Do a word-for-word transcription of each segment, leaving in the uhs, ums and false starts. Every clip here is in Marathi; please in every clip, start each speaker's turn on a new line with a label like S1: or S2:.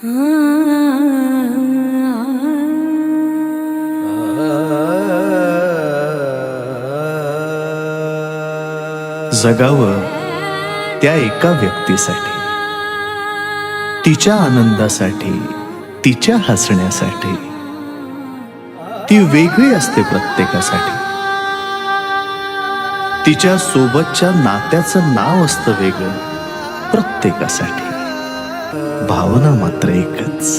S1: जगावं त्या एका व्यक्तीसाठी, तिच्या आनंदासाठी, तिच्या हसण्यासाठी. ती वेगळी असते प्रत्येकासाठी. तिच्या सोबतच्या नात्याचं नाव असतं वेगळं प्रत्येकासाठी. भावना मात्र एकच.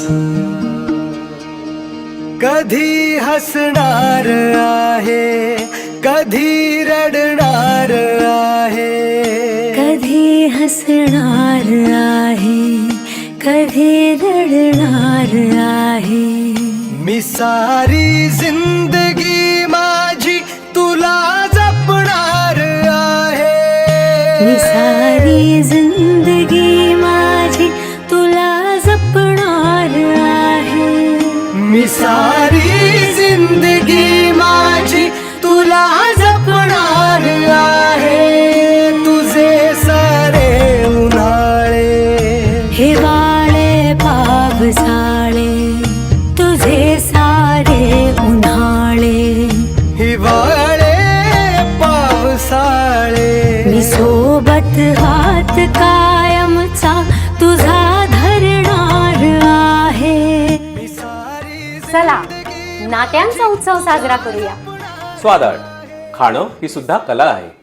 S2: कधी हसणार आहे, कधी रडणार आहे,
S3: कधी हसणार आहे, कधी रडणार आहे.
S2: मी सारी जिंदगी माझी तुला जपणार आहे.
S3: मी सारी जिंदगी माझी तुला जपणार आहे.
S2: मी सारी जिंदगी माझी तुला जपणार आहे. तुझे सारे उन्हाळे,
S3: हिवाळे पावसाळे, तुझे सारे उन्हाळे,
S2: हिवाळे पावसाळे.
S3: मी सोबत हात कायमचा तुझा धरणार आहे.
S4: चला नात्यांचा उत्सव साजरा करूया.
S5: स्वादाड खाणं ही सुद्धा कला आहे.